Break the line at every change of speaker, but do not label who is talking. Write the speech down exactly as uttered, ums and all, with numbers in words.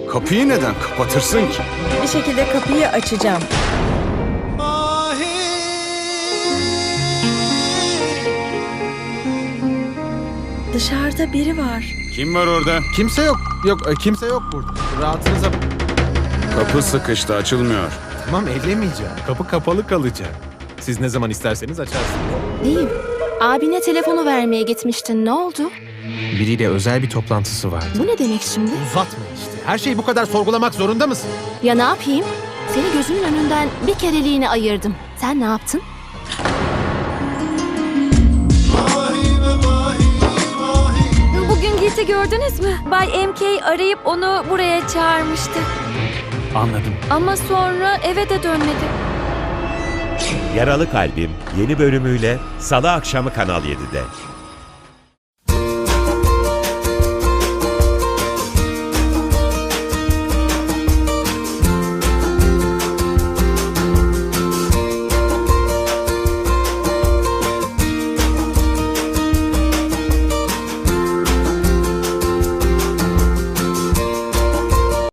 Kapıyı neden kapatırsın ki?
Bir şekilde kapıyı açacağım. Dışarıda biri var.
Kim var orada?
Kimse yok. Yok, e, kimse yok burada. Rahatınıza bak.
Kapı sıkıştı, açılmıyor.
Tamam, ellemeyeceğim. Kapı kapalı kalacak. Siz ne zaman isterseniz açarsınız.
Değil. Abine telefonu vermeye gitmiştin. Ne oldu?
Biriyle özel bir toplantısı vardı.
Bu ne demek şimdi?
Uzatma işte. Her şeyi bu kadar sorgulamak zorunda mısın?
Ya ne yapayım? Seni gözümün önünden bir kereliğine ayırdım. Sen ne yaptın?
Bugün Gilt'i gördünüz mü? Bay M K arayıp onu buraya çağırmıştı.
Anladım.
Ama sonra eve de dönmedi.
Yaralı Kalbim yeni bölümüyle Salı akşamı Kanal yedide.